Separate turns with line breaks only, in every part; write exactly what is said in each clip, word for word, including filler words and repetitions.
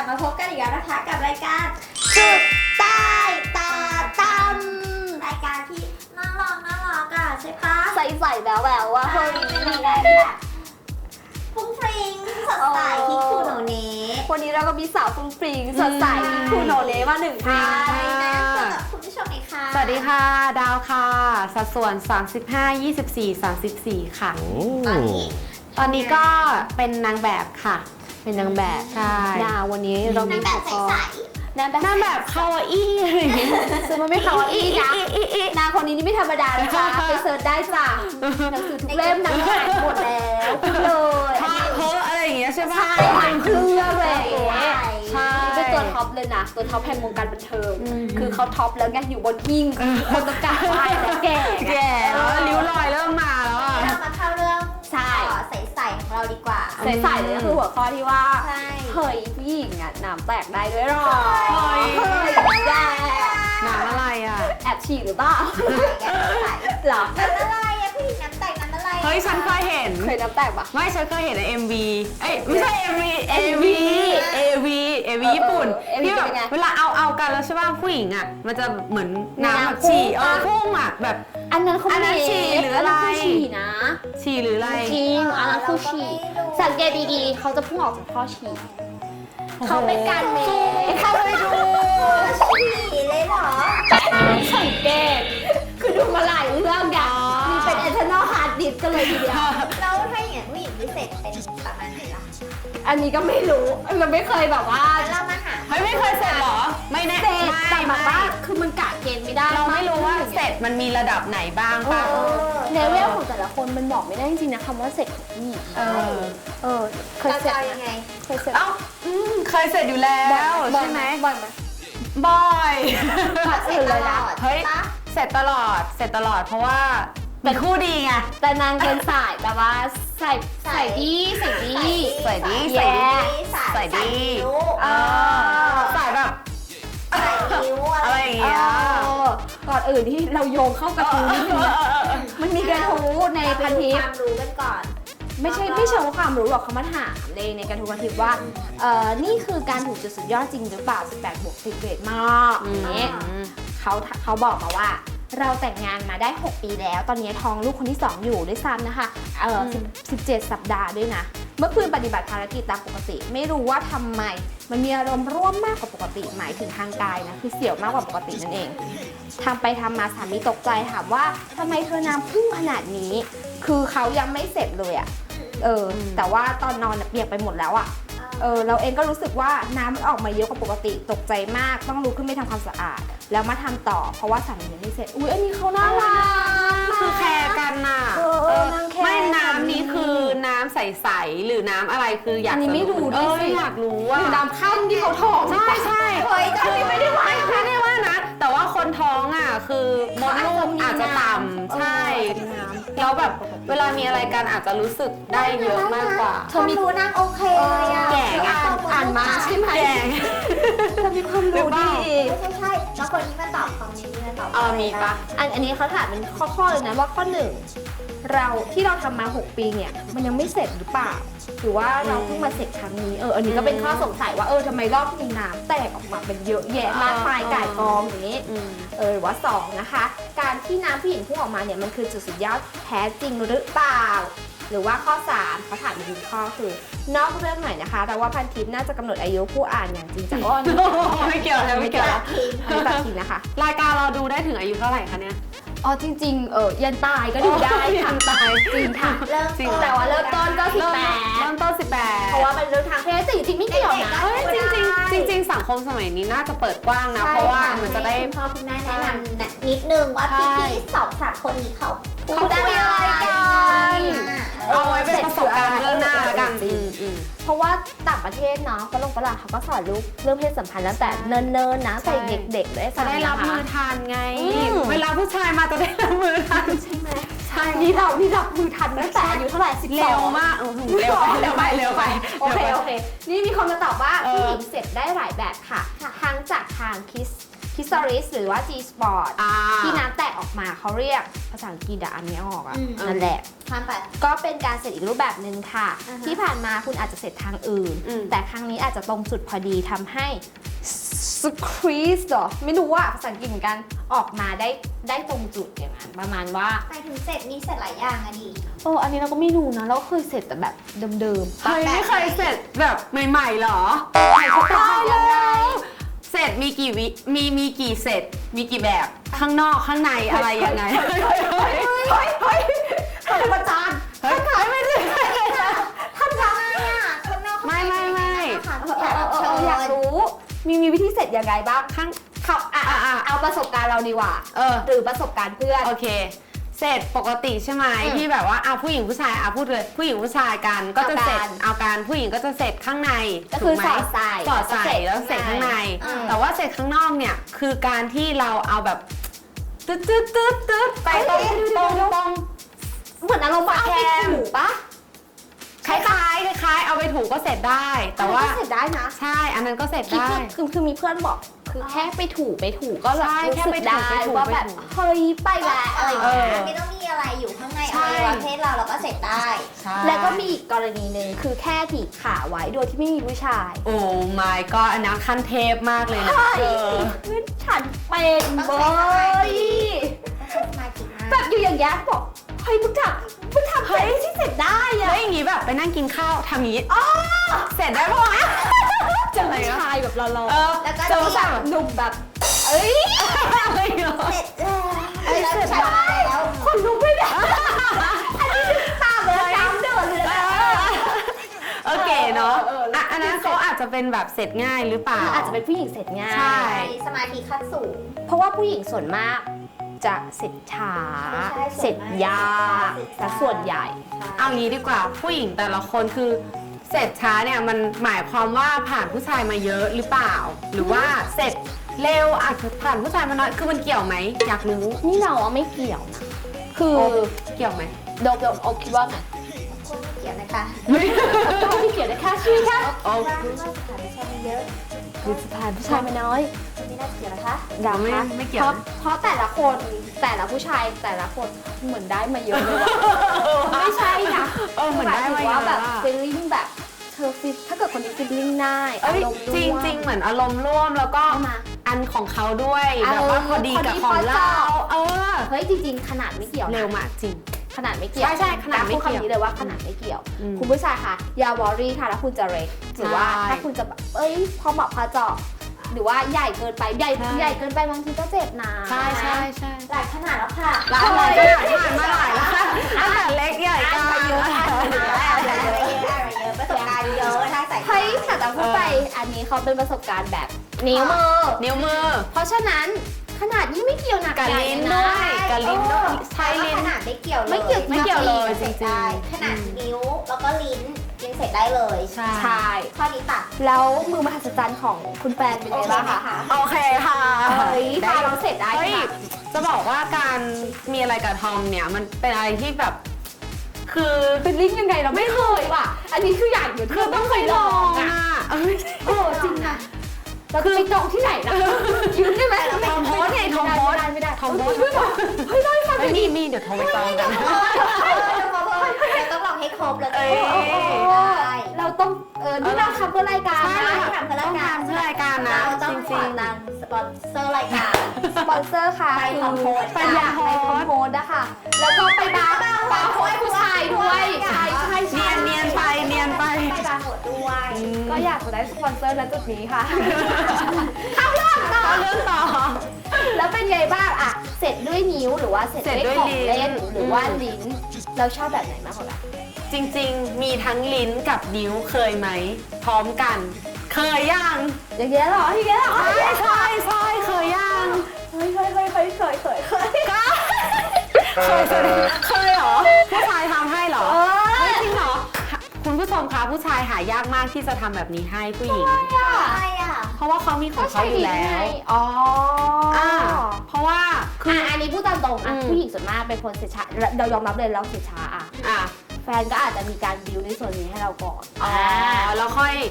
มาพบกันอีกแล้วนะคะกับรายการจุดใต้ตาตั้มรายการที่น่ารักน่ารักอะใช่ปะ
ใส่ๆแบบแบบว่าเฮ้ย
มีได้แบบฟุ้งฟริ้งสดใสที่คูโนเนะ
วันนี้เราก็มีสาวฟรุ้งฟริ้งสดใสที่คูโนเนะมาหนึ่งท่าน
นะเจอกับคุณผู้ชมอีกค่ะ
สวัสดีค่ะดาวค่ะสัดส่วนสามสิบห้า ยี่สิบสี่ สามสิบสี่ค่ะ
ตอนนี้
ตอนนี้ก็เป็นนางแบบค่ะเป็นนางแบบใช่
ดาววันนี้เรามี
นางแบบใส
นางแบบ
นางแบบคาวาอี้
ซึ่งมันไม่คาวาอี้นะนางคนนี้นี่ไม่ธรรมดานะคะไปเสิร์ชได้จ้ะหนังสือทุกเล่มนางอ่านหมดแล้วเลย
พาเพออะไรอย่างเงี้ยใช่ปะ
ใช่อ่านเครื่องเลย
ใช่
เป็นตัวท็อปเลยนะตัวท็อปแห่งวงการบันเทิงคือเขาท็อปแล้วไงอยู่บนหิ้งคนต้องการไหว้แล้วแก่
แก่แล้วริ้วรอยเริ่มมาแล้วอ่ะ
เรามาเข้าเรื่องใช่ใสๆของเราดีกว่า
ใสๆเลยก็คือหัวข้อที่ว่า
ใช่
เฮ้ยผู้หญิงอ่ะน้ำแตกได้ด้วยหรอ
เฮ้ย
เฮ้ยแย่
หนังอะไรอ่ะ
แอบฉี่หรือเปล่าหรอ
น้ำอะไรอะผู้หญิงน้ำแตกน้ำอะไร
เฮ้ยฉันเคยเห็น
เคยน้ำแตกปะ
ไม่ฉันเคยเห็นใน เอ็ม วี เอ้ยไม่ใช่ เอ็ม วี เอ วี เอ วี เอ วี ญี่ปุ่นที่แบบเวลาเอาเอากันแล้วใช่ป่ะผู้หญิงอ่ะมันจะเหมือนน้ำแบบฉี่เออพุ่งอ่ะแบบ
อันนั้นเขา
อันนั้นฉี่หรืออะไร
ฉี่นะ
ฉี่หรืออะไร
จริงอันนั้นคือฉี่สังเกตดีๆเขาจะพุ่งออกจากท่อฉี่เขาเป็นการเมย์เข้าไปดู
ฉี่เลยเหรอ
สังเกตคือดูมาหลายเรื่องอย่างมีเป็น internal hard disk กันเลยทีเดียว
แล้วถ้าอย่างนั้นผู้หญิงพิเศษเป็นประมาณไหนล่ะ
อันนี้ก็ไม่รู้เราไม่เคยแบบว่า
เรามาหา
เฮ้ยไม่เคยเสร็จหรอไม่แน่
เสร็จแต่แบบว่าคือมันกะเกณฑ์ไม่ได้
เราไม่รู้ว่าเสร็จมันมีระดับไหนบ้างป่ะ
เลเวลของแต่ละคนมันบอกไม่ได้จริงๆนะคำว่าเสร็จของผู้หญิงเออเออเคยเสร็จ
ยังไง
เคยเสร็จ
เอ้าเคยเสร็จอยู่แล้วใช่ไหม
บ่อยไหม
บ่อย
เสร็จตลอด
เฮ้ยเสร็จตลอดเสร็จตลอดเพราะว่าเป็นคู่ดีไง
แต่นางเป็นสายแบบว่าใส่ใส่ดีใส่ดี
ใส่ดีใส่ดีใส่ดีเออใส่แบบอะไรอย่างเงี้ย
ก่อนอื่นที่เราโยงเข้ากระทู้นิดนึงมันมีกระทู้ในพันทิป
ความรู้กันก่อน
ไม่ใช่ไม่เชิงความรู้หรอกเขามาถามในในกระทู้พันทิปว่าเอ่อนี่คือการถูกจุดสุดยอดจริงหรือเปล่าสิบแปดบวกสิบเกรดมากอย่างเงี้ยเขาเขาบอกมาว่าเราแต่งงานมาได้หกปีแล้วตอนนี้ท้องลูกคนที่สองอยู่ด้วยซ้ำนะคะเออสิบเจ็ดสัปดาห์ด้วยนะเมื่อคืนปฏิบัติภารกิจตามปกติไม่รู้ว่าทำไมมันมีอารมณ์ร่วมมากกว่าปกติหมายถึงทางกายนะคือเสียวมากกว่าปกตินั่นเองทำไปทำมาสามีตกใจถามว่าทำไมเธอน้ำพุ่งขนาดนี้คือเขายังไม่เสร็จเลยอะเออแต่ว่าตอนนอนเปียกไปหมดแล้วอะเออเราเองก็รู้สึกว่าน้ำมันออกมาเยอะกว่าปกติตกใจมากต้องลุกขึ้นไปทำความสะอาดแล้วมาทำต่อเพราะว่าสามียังไม่เสร็จอุ้ยอันนี้เขาน่ารัก
คือแคร์กันน่ะไม่น้ำนี้คือน้ำใสๆหรือน้ำอะไรคืออยาก
อันนี้ไม่รู้ด้วยสิ
อยากรู้ว่า
น้ำข้นที่เขาท้อง
ใช่ใช่
เฮ้ยแต่ไม่ได้ว่า
ไม่ได้ว่านะแต่ว่าคนท้องอ่ะคือมดลูกอาจจะต่ำใช่แล้วแบบเวลามีอะไรกันอาจจะรู้สึกได้เยอะมากกว่า
เธอรู้นางโอเคเลยอะ
แก่
อ่านมาใช่ไหม
แก่
เธอมีความรู้ดี
ใช่ใช่แล้วคนนี้มาตอบคอมเมนต์นี่มาตอบ
เออมีปะ
อันอันนี้เขาถามเป็นข้อๆเลยนะว่าข้อหนึ่งเราที่เราทำมาหกปีเนี่ยมันยังไม่เสร็จหรือเปล่าหรือว่าเราเพิ่งมาเสร็จครั้งนี้เอออันนี้ก็เป็นข้อสงสัยว่าเออทำไมรอบนี้น้ำแตกออกมาเป็นเยอะแยะมากมายก่ายกองอย่างนี้เออหรือว่าสองนะคะการที่น้ำผู้หญิงพุ่งออกมาเนี่ยมันคือจุดสุดยอดแท้จริงหรือเปล่าหรือว่าข้อสามเขาถามอีกหนึ่งข้อคือนอกเรื่องหน่อยนะคะแต่ว่าพันทิปน่าจะกำหนดอายุผู้อ่านอย่างจริงจังอ้อน
ไม่เกี่ยวแล้วไม่เกี่ยวแล้ว
ไม่ตัดทิ้งนะคะ
รายการเราดูได้ถึงอายุเท่าไหร่คะเนี่ย
อ๋อจริงๆเออยันตายก็ดูได้ค่ะ
ตาย
จริงค่ะ
เริ่ม
แต่ว่าเริ่มต้นก็สิบแปด
เริ่มต้นสิบแปด
เพราะว่าเป็นเรื่องทางเพศแต่จริงๆไม่เกี่ยวนะ
จริงจริงจริงสังคมสมัยนี้น่าจะเปิดกว้างนะเพราะว่ามันจะได้
พ่อคุณแม่แนะนำนิดนึงว่าพี่ๆสองสามคนนี้เขา
พูดอะไรกัน
เอาไว้เป็นประสบการณ์เรื่องหน้าละกัน
เพราะว่าต่างประเทศเนาะฝรั่งฝรั่งเขาก็สอนลูกเรื่องเพศสัมพันธ์ตั้งแต่เนิ่นๆนะใส่เด็กๆเลย
จะได้รับมือทันไงเวลาผู้ชายมาจะได้รับมือทัน
ใช่ไหมใช่นี่เรานี่รับมือทันตั้งแต่อายุเท่าไหร่สิบสอง
เร็วมากเร็วไปเร็วไปเร็วไป
โอเคโอเคนี่มีคนมาตอบว่าผู้หญิงเสร็จได้หลายแบบค่ะทั้งจากทางคิส Physalis หรือว่า G Sport
อ่า
ที่น้ำแตกออกมาเขาเรียกภาษาอังกฤษอะอันนี้ออกอะ
อืม
นั่นแหละ
ทานไป
ก็เป็นการเสร็จอีกรูปแบบหนึ่งค่ะ
อ่าฮะ
ที่ผ่านมาคุณอาจจะเสร็จทางอื่น
อืม
แต่ครั้งนี้อาจจะตรงจุดพอดีทำให้ squeeze หรอ ไม่รู้ว่าภาษาอังกฤษเหมือนกันออกมาได้ได้ตรงจุดอย่างนั้นประมาณว่า
ไปถึงเสร็จมีเสร็จหลายอย่างอะดิ
โอ้อันนี้เราก็ไม่รู้นะ เราเคยเสร็จแต่แบบเดิมๆ
เฮ้ยไม่เคยเสร็จแบบใหม่ๆเหรอ
ตายแล้ว
เสร็จมีกี่วิมีมีกี่เสร็จมีกี่แบบข้างนอกข้างในอะไรยังไง
เฮ้ยเฮ้ยเฮ้ยเฮ้ยเฮ้ยประจาน
เฮ้ยขายไม่ได้
ทำยังไงอะข้างนอก
ไม่ไม่ไม่
ค่ะ
เอ
ทุก
อ
อย่าง
เออเอ
เชิ
ออยาก
ญ
รู้ มีมีวิธีเสร็จยังไงบ้าง
ข้าง
เขาอ่ะ
อ่ะอ่ะ
เอาประสบการณ์เราดีกว่า
เออ
หรือประสบการณ์เพื่อน
โอเค เสร็จปกติใช่ไหม
อืม
ที่แบบว่าอ่ะผู้หญิงผู้ชายอ่ะพูดเลยผู้หญิงผู้ชายกันก็จะเสร็จ
เอากัน
เอาการผู้หญิงก็จะเสร็จข้างใน
ก็คือ
ถูไหม
สอดใส่
สอดใส่แล้วเสร็จข้างใน
อืม
แต่ว่าเสร็จข้างนอกเนี่ยคือการที่เราเอาแบบตึ๊ดตึ๊ดตึ๊ดตึ๊ดไปตรงตรงตรง
เหมือนอารมณ์ว่าเอาไปถูปะ
คล้ายๆคล้ายๆเอาไปถูก็เสร็จได้ แต่ว่า
อันนั้นก็เสร็จได้นะ
ใช่อันนั้นก็เสร็จ
คือ
ได้
คือคือคือมีเพื่อนบอก คือแค่ไปถูไปถูก็แบบ
ใช่
รู้
แค่
สึ
ไป
ก
ถู
ได้
ไปถู
ว่าแบบ
ไปถู
เฮ้ยไปแล้วอะไรอย่าง
เอ
เงี้
อ
ย
ไม่ต้องมีอะไรอยู่ข้างใน
ใช่
อวัยวะเพศเราเราก็เสร็จได้
แล้วก็มีอีกกรณีหนึ่งคือแค่ถีบขาไว้โดยที่ไม่มีผู้ชาย
โอ้ my god อันนั้นขั้นเทพมากเลยนะ
ใช่
เออ
คือฉันเป็นเบย
ต้องใช้สมาธิมาก
แบบอยู่อย่างเงี้ยบอกเฮ้ยมึงทำมึงทำเฮ้ยที่เสร็จได้อะ
แล้วอย่างงี้แบบไปนั่งกินข้าวทำอย่างงี้เสร็จได้ปะวะ
เจอผู้ชายแบบเรา
เออ
แล้วก็
ๆเจอผู้ชายแบบหนุ่มแบบ เอ้ย
อะไรเหรอ
เสร็จแล้ว
เอ้ย
แล้ว
เสร็จ
ใช้
ได้
แล้ว
คนลุกไม่ได้อันนี้ตามเลยตามเดินเลยนะ
โอเคเนาะ
เออเออแล้ว
อ่ะอันนั้นเขาอาจจะเป็นแบบเสร็จง่ายหรือเปล่า
อาจจะเป็นผู้หญิงเสร็จง่าย
ใช่
สมาธิขั้นสูง
เพราะว่าผู้หญิงส่วนมากจะเสร็จช้า
ใช่
เสร็จยาก
เสร็จ
แต่ส่วนใหญ่
เอางี้ดีกว่าผู้หญิงแต่ละคนคือเสร็จช้าเนี่ยมันหมายความว่าผ่านผู้ชายมาเยอะหรือเปล่า หรือว่าเสร็จเร็วอาจจะผ่านผู้ชายมาน้อยคือมันเกี่ยวไหมอยากรู้
นี่เราอะไม่เกี่ยวนะ คือ
โอ้เกี่ยวไหม
โดมโดมโอคิดว่าไง
คนไม่เกี่ยวนะคะ
ก็ไม่เกี่ยวนะแค่ชื่อแค่
โอ้
ว่าว่าสถานที่ชายมันเยอะ
คือสถานผู้ชายมาน้อย
ไม่น่าเกี่ยวนะคะ
เหรอ
ไม่
คะ
ไม่เกี่ยว
เพราะ
นะ
เพราะแต่ละคนแต่ละผู้ชายแต่ละคนเหมือนได้มาเยอะเลยว่ะไม่ใช่นะ
เออเหมือนได้
ห
มา
ถึง
เย
ว่า
อะ
แบบ
อะ
ฟีลลิ่งแบบเธอฟีลถ้าเกิดคนนี้ฟีลลิ่งได้
เอ้ย
อารมณ์
จริง
ว
จริงเหมือนอารมณ์ร่วมแล้วก็
เข้ามา
อันของเขาด้วย
เออ
แบบว่าพอดีกับ
พอดี
ของ
พอ
เรา
เจาะ
เออ
เฮ้ยจริงๆขนาดไม่เกี่ยวนะ
เร็วมากจริง
ขนาดไม่เกี่ยว
ใช่ใช่ขนาดไม่
พูด
เกี่ยว
คำนี้เลยว่าขนาดไม่เกี่ยว
อืม
คุณผู้ชายค่ะอย่าวอรี่ค่ะถ้าคุณจะเร็กหรือว่า
ใช่
ถ้าคุณจะแบบเอ้ยพอเหมาะพอเจาะหรือว่าใหญ่เกินไปใหญ่
ใช่
ใหญ่เกินไปบางทีก็เจ็บนะ
ใช่ใช่ใช่
หลายขนาดแล้วค่ะ
หลายหลายขนาดผ่านมาหลายแล้วค่ะตั้งแต่เล็กใหญ่กลาง
เยอะ
อะไรเยอะอะไรเยอะประสบการณ์เยอะทางสายตา
เฮ้ยแต่จะพูดไปอันนี้เขาเป็นประสบการณ์แบบนิ้วมือ
นิ้วมือ
เพราะฉะนั้นขนาดนี้ไม่เกี่ยวหนัก
กับ
ใหญ่
ลิ้น
นะ
ด้วยกับลิ้นด้วยใช้
ใช้
ลิ้น
ขนาดไม่เกี่ยวเลย
ไม่เกี่ยว
ไม่เกี่ยวเลยจริงๆ
ได้ขนาดนิ้วแล้วก็ลิ้นกินเสร็จได้เลย
ใช่
ใช่
ข้อนี้ตัด
แล้วมือมหัศจรรย์ของคุณแฟนเป็นไงบ้างคะ
โอเคค่ะ
เฮ้ยพาเราเสร็จได้
เฮ้ย
ค่ะ
จะบอกว่าการมีอะไรกับทอมเนี่ยมันเป็นอะไรที่แบบ คือ
เป็นลิ้นยังไงเราไม่เคยว่ะ อันนี้คืออยากอยู่
คือต้องไปลองอ่ะเอ้ย
โอ้จริงนะเราจะไปจองที่ไหนนะยืมได้ไหม
ทอมโพสไงทอมโพส
ไม่ได้ไม่ได้
ทอมโพส
เฮ้ยเฮ้ยได้ค่ะ
เฮ้ยมีมีเดี๋ยวโทรไปจองกัน
เราต้องลองให้ครบแล้ว
เอ้ย
ได้
เราต้องเออนี่เราทำเพื่อรายการ
ใช่
นะ
ทำเพื่อรายการ
เพื่อรายการนะ
เราต้อง
จ
ข
ริ
อง ตังสปอนเซอร์รายการ
สปอนเซอร์ค่ะ
ไปคอมโพส
ไปอยากไปคอมโพสนะคะแล้วก็ไปบาร์บาร์โพสผู้ชายด้วยใช่ใช่
ๆ
ใช่
เนียนเนียนไปเนียนไป
ไปบาร์โหดด้วย
ก็อยากจะได้สปอนเซอร์ณจุดนี้ค่ะเข้าเรื่องต่อ
เอาเรื่องต่อ
แล้วเป็นไงบ้างอะเสร็จด้วยนิ้วหรือว่าเสร็จ
เสร็จ
ด้
ด้
ว
วย ย
ของ
ลิ้น
เล่นหรือว่า
อืม
ลิ้น เราชอบแบบไหนมากกว่ากัน
จริงๆ มีทั้งลิ้นกับนิ้วเคยไหม พร้อมกัน เคยยัง
อย่างเงี้ยเหรออย่างเงี้ยเหรอ
ใช่ใช่ใช่เคยยัง
เฮ้ยเฮ้ยเฮ้ยเฮ้ยเคยเคยเคย
ก็เคยสิเคยเหรอ ผู้ชายทำให้เหรอ
เอ
เฮ้ย
อ
จริงเหรอ คุณผู้ชมคะผู้ชายหายากมากที่จะทำแบบนี้ให้ผู้หญิง
อะไรอ่ะ
เพราะว่าเขามีของเขาอยู่แล้ว
อ๋ออ่
อ่าเพราะว่าคือ
อ่ะอันนี้พูดตามตรงอ่ะ
อืม
ผู้หญิงส่วนมากเป็นคนเสียช้าเรายอมรับเลยเราเสียช้าอ่ะ
อ่ะ
แฟนก็อาจจะมีการบิวในส่วนนี้ให้เราก่อน
อ๋อแล้วค่อย อ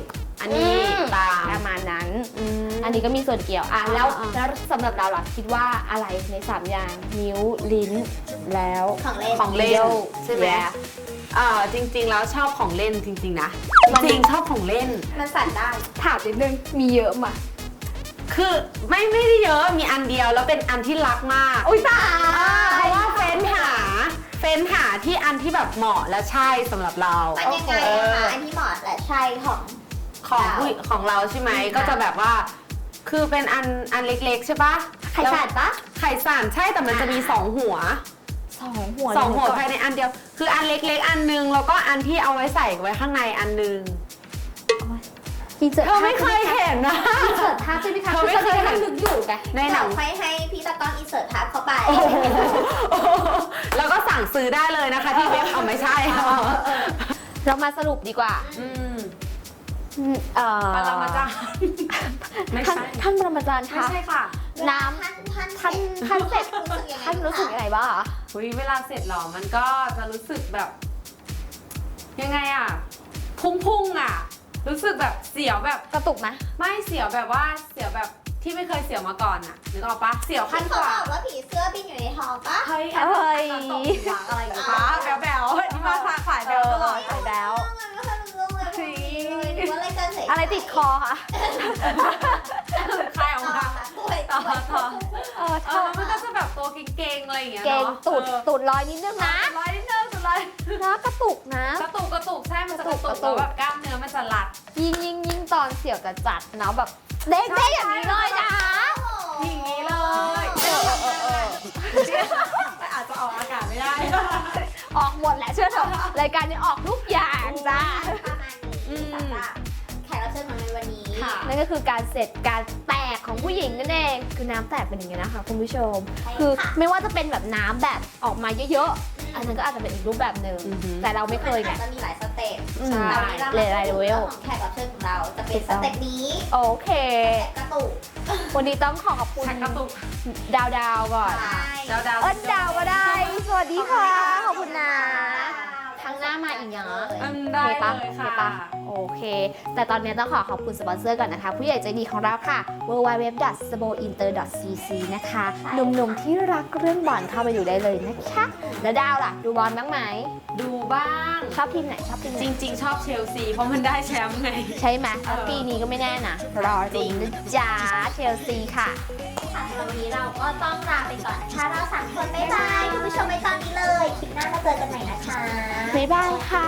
อันนี้ตาม
ประมาณนั้น
อืม
อันนี้ก็มีส่วนเกี่ยวอ่ะแล้ว
อ่า
แล้วสำหรับเราล่ะคิดว่าอะไรในสามอย่างนิ้วลิ้นแล้ว
ของเล่น
ของเล่น
Leo
ใช่ไหม
Yeah
อ่าจริงๆแล้วชอบของเล่นจริงๆนะจริงๆชอบของเล่น
มันสั่นได้
ถามนิดนึงมีเยอะมา
คือไม่ไม่ได้เยอะมีอันเดียวแล้วเป็นอันที่รักมาก
อุ้ยตา
เพราะว่าเฟ้นหาเฟ้นหาที่อันที่แบบเหมาะและใช่สำหรับเรา
มันยังไงอะคะอันที่เหมาะและใช่ของ
ของผู้ของเราใช่ไหมก็จะแบบว่า คือเป็นอันอันเล็กๆใช่ปะ
ไข่สั่นปะ
ไข่สั่นใช่แต่มันจะมีสองหัว
สองหัว
สองหัว
เลย
ภายในอันเดียว คืออันเล็กๆ อันนึงแล้วก็อันที่เอาไว้ใส่ไว้ข้างในอันนึง
อินเสิร์ต
เธอไม่เคยเห็นนะ
อินเสิร์ตภาพใช่ไหมคะ
เธอไม่เคยเห็น
นึกอยู่ไง
ในหนัง
เดี๋ยวค่อยให้พี่ตะกล้องอินเสิร์ตภาพเข้าไป
แล้วก็สั่งซื้อได้เลยนะคะที่เว็บเอาไม่ใช่
เรามาสรุปดีกว่า
อืม
เอ่อ
ปรมาจารย์ไม่
ท่าน
ใช่
ท่านปรมาจารย์
ไม่
คะ
ใช่ค่ะ
น้ำ
ท่านท่าน
ท่านท่านเสร็จ
รู้สึกยังไง
ท่านรู้สึกยังไงบ้างคะ
อุ๊ยเวลาเสร็จหรอมันก็จะรู้สึกแบบ ยังไงอ่ะ พุ่งๆอ่ะ รู้สึกแบบเสียวแบบ
กระตุกไหม
ไม่เสียวแบบว่าเสียวแบบที่ไม่เคยเสียวมาก่อนอ่ะนึกออกปะเสียวขั้
ท่าน
น
เขา
กว่า
บอกว่าผีเสื้อบินอยู่ในท้องปะ
เฮ้ย
เอ้ย
ตกหลังอะไรอย่างเงี้ย
อ๋อ
แบวแบวๆที่มาขายแบวตลอด
ใส่แล้ว
มันไม่ค่อยรู้เรื่องเลยหรือว่าอะไรกันเสร็จ
อะไรติดคอคะ
ใครออก
ต่อ
มา
ค่ะป่วย
ต่อต่อ
เออ
เออมันก็จะแบบตัวเก่งๆอะไรอย่างเงี้ย
เก่ง
เนาะ
ตูด
เออ
ตูดลอยนิดนึงนะ
ร้อยนิดนึงสุดเลย
นะกระตุกนะ
กระตุกกระตุกใช่มันจะกระตุ
ก
ก
ระตุก
แล้วแบบกล้ามเนื้อมันจะรัด
ยิ่งยิ่งยิ่งตอนเสี่ยวจะจัดเนาะแบบเด้งเด้งอย่างนี้เลยนะ
อย่างนี้เลย
เออเออเออเออ
แต่อาจจะออกอากาศไม่ได้
ออกหมดแหละเชื่อเถอะรายการนี้ออกทุกอย่างจ้า
ประมาณนี้สำหรับแขกรับเชิญของในวันนี้
ค่ะ
นั่นก็คือการเสร็จการแตกของผู้หญิงนั่นเองคือน้ำแตกเป็นอย่างนี้นะคะคุณผู้ชม
ใช่ค่ะ
คือไม่ว่าจะเป็นแบบน้ำแบบออกมาเยอะๆอันนั้นก็อาจจะเป็นอีกรูปแบบหนึ่ง
อือฮึ
แต่เราไม่เคยไง
อาจจะมีหลายสเต็ป
อืม
แต่วันนี้เรา
หลายๆ
มาพูด
เลเวล
เรื่องของแขกรับเชิญของเราจะเป็นสเต็ปนี้
โอเค
สเต็ปกระตุก
วันนี้ต้องขอขอบคุณ
ชักกระตุก
ดาวดาวๆก่อน
ใช่
ดาวดาว
เอิ้นดาวก็ได้ สวัสดีค่ะ ขอบคุณนะครั้งหน้ามาอีกเนาะ
อืม
โอ
ได้
เคปะ
เลย
โอเค
ค่ะ
ปะโอเค แต่ตอนนี้ต้องขอขอบคุณสปอนเซอร์ก่อนนะคะ ผู้ใหญ่ใจดีของเราค่ะ ดับเบิลยู ดับเบิลยู ดับเบิลยู ดอท สโบอินเตอร์ ดอท ซี ซี นะคะ หนุ่มๆที่รักเรื่องบอลเข้าไปดูได้เลยนะคะ แล้วดาวล่ะ ดูบอลบ้างไหม
ดูบ้าง
ชอบทีมไหน ชอบทีมไหน
จริง ๆ ชอบเชลซีเพราะมันได้แชมป์ไง
ใช่ไหมแล้วปีนี้ก็ไม่แน่นะ รอดูนะจ๊ะเชลซีค่ะ
ค่ะสำหรับวันนี้เราก็ต้องลาไปก่อนนะคะเราสามคนบ๊ายบายคุณผู้ชมไว้ตอนนี้เลยคลิปหน้ามาเจอกันใหม่นะคะ
บ๊ายบายค่ะ